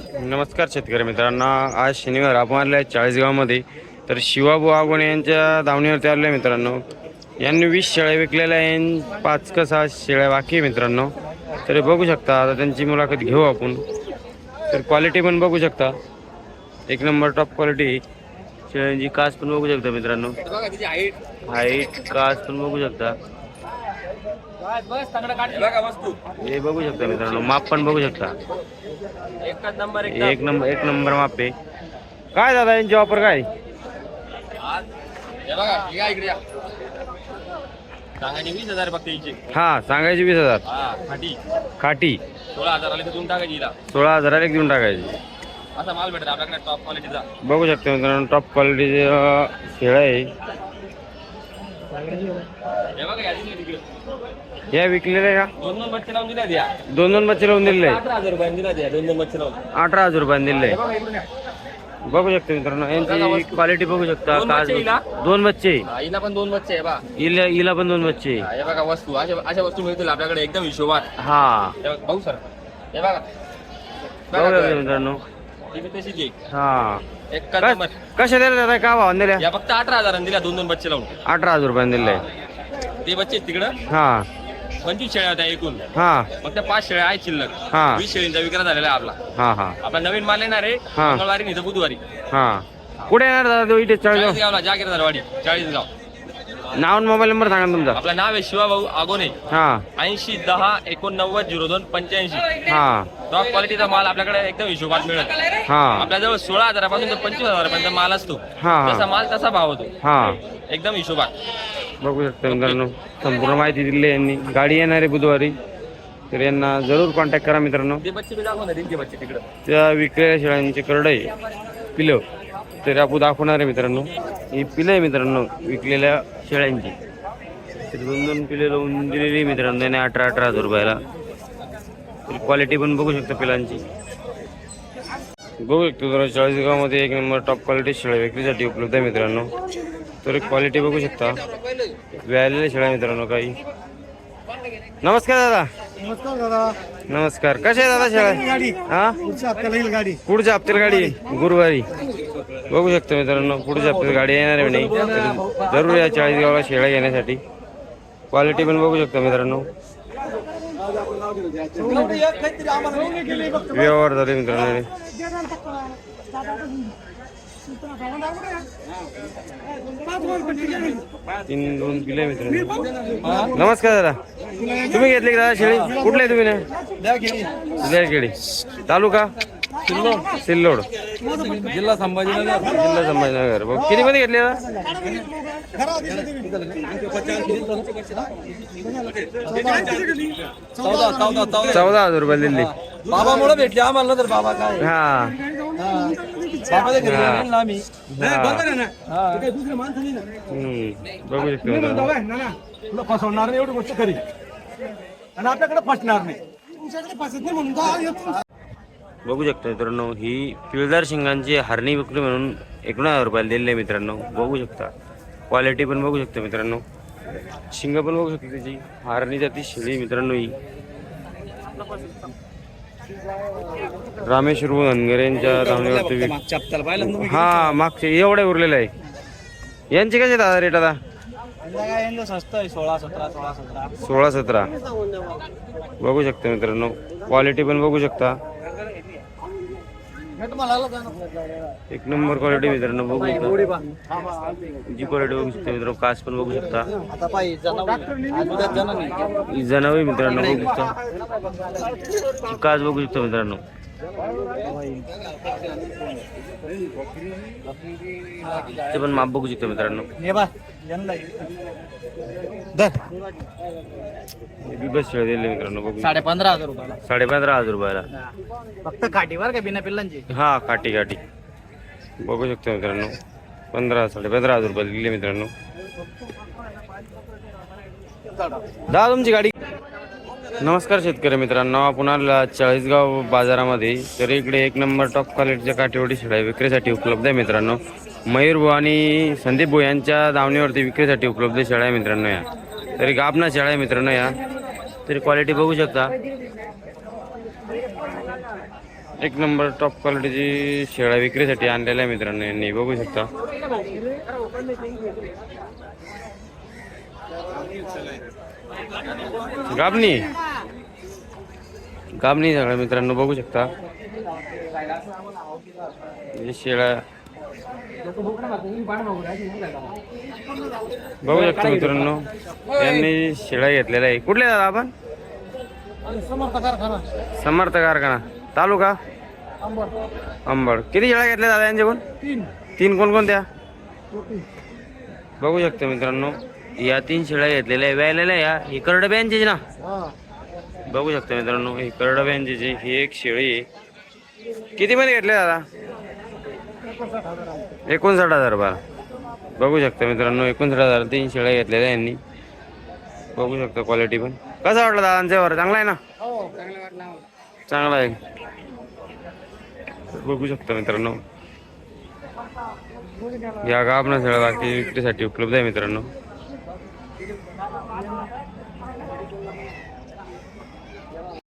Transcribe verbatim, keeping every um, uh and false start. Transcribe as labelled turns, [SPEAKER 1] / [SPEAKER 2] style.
[SPEAKER 1] नमस्कार शेतकरी मित्रांनो, आज शनिवार आपण आले चाळीसगावमध्ये. तर शिवाबू आगोणे यांच्या दावणीवरती आले आहे मित्रांनो. यांनी वीस शेळ्या विकलेल्या आहे, पाच का सहा शेळ्या बाकी आहे मित्रांनो. तर बघू शकता, आता त्यांची मुलाखत घेऊ आपण. तर क्वालिटी पण बघू शकता, एक नंबर टॉप क्वालिटी. शेळ्यांची कास पण बघू शकता मित्रांनो, हाईट कास पण बघू शकता. हे बघू शकता मित्रांनो, माप पण बघू शकता. एक नंबर एक नंबर एक नंबर माप आहे. काय दादा यांची ऑफर काय?
[SPEAKER 2] वीस हजार फक्त.
[SPEAKER 1] हा, सांगायची वीस हजार.
[SPEAKER 2] खाटी
[SPEAKER 1] खाटी
[SPEAKER 2] सोळा हजाराला देऊन टाकायची.
[SPEAKER 1] सोळा हजाराला एक देऊन टाकायची.
[SPEAKER 2] असा माल भेटत आपल्याकडे टॉप क्वालिटीचा.
[SPEAKER 1] बघू शकता मित्रांनो, टॉप क्वालिटीचे शेळ्या आहे. या विकलेल्या का?
[SPEAKER 2] दोन दोन बच्चे लावून दिल्या द्या.
[SPEAKER 1] दोन दोन बच्चे लावून दिलेले आहे.
[SPEAKER 2] अठरा हजार रुपये दिला द्या. दोन दोन बच्चे लावून
[SPEAKER 1] अठरा हजार रुपये दिलेले आहे. बघू शकता मित्रांनो, यांची क्वालिटी बघू शकता. दोन बच्चे,
[SPEAKER 2] हिला पण दोन बच्चे आहे बा.
[SPEAKER 1] हिला हिला पण दोन बच्चे.
[SPEAKER 2] हे बघा वस्तू, अशा अशा वस्तू मिळतील आपल्याकडे एकदम हिशोबात.
[SPEAKER 1] हा,
[SPEAKER 2] भाऊ सर हे बघा
[SPEAKER 1] बघू शकता मित्रांनो. हा,
[SPEAKER 2] एक नंबर.
[SPEAKER 1] कशा दिल्या, काय भाव दिल्या?
[SPEAKER 2] या फक्त अठरा हजारांनी दिल्या. दोन दोन बच्चे लावून
[SPEAKER 1] अठरा हजार रुपयाने दिले.
[SPEAKER 2] ते बच्चे तिकडं.
[SPEAKER 1] हा,
[SPEAKER 2] पंचवीस शेळ्या होत्या एकूण.
[SPEAKER 1] हा,
[SPEAKER 2] फक्त पाच शेळ्या आहेत शिल्लक.
[SPEAKER 1] हा.
[SPEAKER 2] वीस शेळींचा विक्रा झालेला आहे आपला.
[SPEAKER 1] हा, हा,
[SPEAKER 2] आपला नवीन माल येणार आहे
[SPEAKER 1] हा.
[SPEAKER 2] मंगळवारी नाही तर बुधवारी.
[SPEAKER 1] हा. कुठे येणार दादा? इथे चाळीसगाव.
[SPEAKER 2] चाळीसगावला जागीरदारवाडी, चाळीसगाव.
[SPEAKER 1] नाव आणि मोबाईल नंबर सांगा तुमचा.
[SPEAKER 2] आपलं नाव आहे शिवाभाऊ आगोने.
[SPEAKER 1] हा,
[SPEAKER 2] ऐंशी दहा एकोणनव्वद झिरो दोन पंच्याऐंशी.
[SPEAKER 1] हा,
[SPEAKER 2] टॉप क्वालिटीचा माल आपल्याकडे एकदम हिशोबात मिळत.
[SPEAKER 1] हा,
[SPEAKER 2] आपल्याजवळ सोळा हजारापासून तर पंचवीस हजारापर्यंत माल असतो.
[SPEAKER 1] हा.
[SPEAKER 2] जसा माल तसा भाव होतो.
[SPEAKER 1] हा.
[SPEAKER 2] एकदम हिशोबात.
[SPEAKER 1] बघू शकता मित्रांनो, संपूर्ण माहिती दिली आहे यांनी. गाडी येणार आहे बुधवारी, तर यांना जरूर कॉन्टॅक्ट करा मित्रांनो.
[SPEAKER 2] ते बच्चे बी दाखवणार आहे, ते बच्चे तिकडं.
[SPEAKER 1] त्या विकलेल्या शेळ्यांचे करडे पिलं तर आपण दाखवणार आहे मित्रांनो. ही पिलं आहे मित्रांनो विकलेल्या शेळ्यांची. तर दोन दोन पिले लावून दिलेली मित्रांनो त्याने अठरा अठरा हजार रुपयाला. तर क्वालिटी पण बघू शकता पिलांची. बघू शकतो जरा चाळीसगावमध्ये एक नंबर टॉप क्वालिटी शेळ्या विक्रीसाठी उपलब्ध आहे मित्रांनो. तर क्वालिटी बघू शकता. व्यालेल्या शेळ्या मित्रांनो काही. नमस्कार दादा.
[SPEAKER 3] नमस्कार दादा.
[SPEAKER 1] नमस्कार. कशा आहे दादा शेळ्या? हा,
[SPEAKER 3] पुढच्या हप्त्याला येईल गाडी.
[SPEAKER 1] पुढच्या हप्त्याला गाडी गुरुवारी. बघू शकतो मित्रांनो, पुढच्या हप्त्यात गाडी येणार आहे नाही. तर जरूर या चाळीसगावला शेळ्या घेण्यासाठी. क्वालिटी पण बघू शकता मित्रांनो. व्यवहार झाले मित्रांनो. तीन दोन किलो मित्रांनो. नमस्कार दादा. तुम्ही घेतली का दादा शेळी? कुठले तुम्ही ना? लेरखेडी तालुका सिल्लोड,
[SPEAKER 2] जिल्हा संभाजीनगर.
[SPEAKER 1] जिल्हा संभाजीनगर. किती मध्ये घेतली दादा?
[SPEAKER 2] चौदा चौदा चौदा
[SPEAKER 1] चौदा हजार रुपये दिली.
[SPEAKER 2] बाबा मुळे भेटले आम्हाला तर बाबा काय.
[SPEAKER 1] हा,
[SPEAKER 2] बाबा घरी गेलो ना आम्ही.
[SPEAKER 1] बघू शकतो मित्रांनो.
[SPEAKER 3] तुला फसवणार नाही एवढी गोष्ट खरी, आणि आपल्याकडे फसणार नाही. तुमच्याकडे फसत नाही म्हणून का येतो?
[SPEAKER 1] बघू शकता मित्रांनो, ही पिळदार शिंगांची हरणी विक्री म्हणून एकोणीस हजार रुपयाला दिलेली आहे मित्रांनो. बघू शकता क्वालिटी पण बघू शकता मित्रांनो. शिंग पण बघू शकता त्याची. हरणी जाती शेळी मित्रांनो ही. रामेश्वर धनगर यांच्या धावणीवरती. हा, मागचे एवढे उरलेले आहे. यांचे कसे दादा रेट आता?
[SPEAKER 3] स्वस्त आहे. सोळा सतरा सोळा सतरा
[SPEAKER 1] सोळा सतरा. बघू शकता मित्रांनो, क्वालिटी पण बघू शकता. एक नंबर क्वालिटी मित्रांनो. बघू शकता जी क्वालिटी बघू शकता मित्रांनो. कास पण बघू शकता. ही जनावरे मित्रांनो बघू शकता. कास बघू शकता मित्रांनो. ते पण माप बघू शकता मित्रांनो. बस शेळ्या दिले मित्रांनो. बघू
[SPEAKER 2] साडे पंधरा हजार रुपयाला.
[SPEAKER 1] साडे पंधरा हजार रुपयाला
[SPEAKER 2] फक्त काठीवर का बिना पिल्लांची.
[SPEAKER 1] हा, काठी काठी बघू शकतो मित्रांनो. पंधरा साडे पंधरा हजार रुपये दिले मित्रांनो. दादा तुमची गाडी. नमस्कार शेतकरी मित्रांनो, आपण आला चाळीसगाव बाजारामध्ये. तर इकडे एक नंबर टॉप क्वालिटीच्या काठीवडी शेळ्या विक्रीसाठी उपलब्ध आहे मित्रांनो. मयूर भाऊ आणि संदीप भाऊ यांच्या दावणीवरती विक्रीसाठी उपलब्ध शेळ्या आहे मित्रांनो. या तरी गाबना शेळ्या आहे मित्रांनो. या तरी क्वालिटी बघू शकता. एक नंबर टॉप क्वालिटीची शेळ्या विक्रीसाठी आणलेल्या आहे मित्रांनो यांनी, बघू शकता. गाबणी गाबणी सगळ्या मित्रांनो बघू शकता. हे शेळ्या बघू शकता मित्रांनो, यांनी शेळ्या घेतलेल्या आहे. कुठले दादा आपण? समर्थ कारखाना, तालुका अंबड. किती शेळ्या घेतल्या दादा यांच्याकडून? तीन. कोणकोणत्या? बघू शकता मित्रांनो, या तीन शेळ्या घेतलेल्या व्यायलेल्या या ही करडब्यांची ना. बघू शकता मित्रांनो, ही करडब्यांची ही एक शेळी आहे. किती मध्ये घेतले दादा? एकोणसाठ हजार रुपये. बघू शकता मित्रांनो, एकोणसाठ हजार तीन शेळ्या घेतलेल्या यांनी. बघू शकता क्वालिटी पण. कसा वाटला दादांच्यावर? चांगला आहे ना? चांगला आहे. बघू शकता मित्रांनो, या गाभण शेळ्या बाकी विक्रीसाठी उपलब्ध आहे मित्रांनो.